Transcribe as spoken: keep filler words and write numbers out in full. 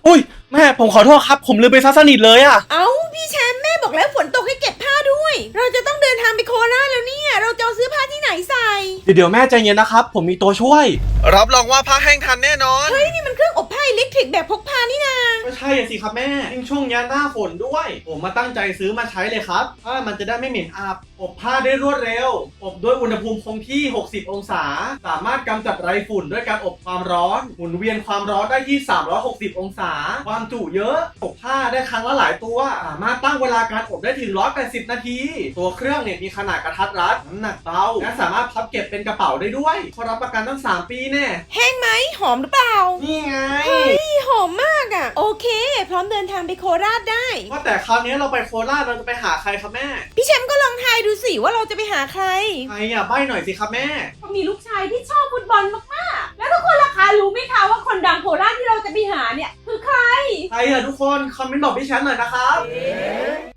อุ้ยแม่ผมขอโทษครับผมลืมไปซักสนิทเลยอะเอ้าพี่แชมป์แม่บอกแล้วฝนตกให้เก็บผ้าด้วยเราจะต้องเดินทางไปโคราชแล้วเนี่ยเราจะเอาซื้อผ้าที่ไหนใส่เดี๋ยวเดี๋ยวแม่ใจเย็นนะครับผมมีตัวช่วยรับรองว่าผ้าแห้งทันแน่นอนเฮ้ยนี่มันเครื่องอบผ้าอิเล็กทริกแบบพกพานี่นาไม่ใช่สิครับแม่ยิ่งช่วงนี้หน้าฝนด้วยผมมาตั้งใจซื้อมาใช้เลยครับผ้ามันจะได้ไม่เหม็นอับอบผ้าได้รวดเร็วอบด้วยอุณหภูมิคงที่หกสิบองศาสามารถกำจัดไรฝุ่นด้วยการอบความร้อนหมุนเวียนความร้อนได้ที่สามร้อยหกสิบองศาความจุเยอะอบผ้าได้ครั้งละหลายตัวสามารถตั้งเวลาการอบได้ถึงหนึ่งร้อยแปดสิบนาทีตัวเครื่องเนี่ยมีขนาดกระทัดรัดน้ำหนักเบาและสามารถพับเก็บเป็นกระเป๋าได้ด้วยเขารับประกันตั้งสามปีแน่แห้งไหมหอมหรือเปล่านี่ไงเฮ้ยหอมมากอ่ะโอเคพร้อมเดินทางไปโคราชได้ว่าแต่คราวนี้เราไปโคราชเราจะไปหาใครครับแม่พี่แชมป์ก็ลองทายดูสิว่าเราจะไปหาใครใครอ่ะใบ้หน่อยสิครับแม่ก็มีลูกชายที่ชอบฟุตบอลมากๆแล้วทุกคนล่ะคะรู้ไหมคะว่าคนดังโคราชที่เราจะไปหาเนี่ยคือใครใครอ่ะทุกคนคอมเมนต์บอกพี่แชมป์หน่อยนะครับ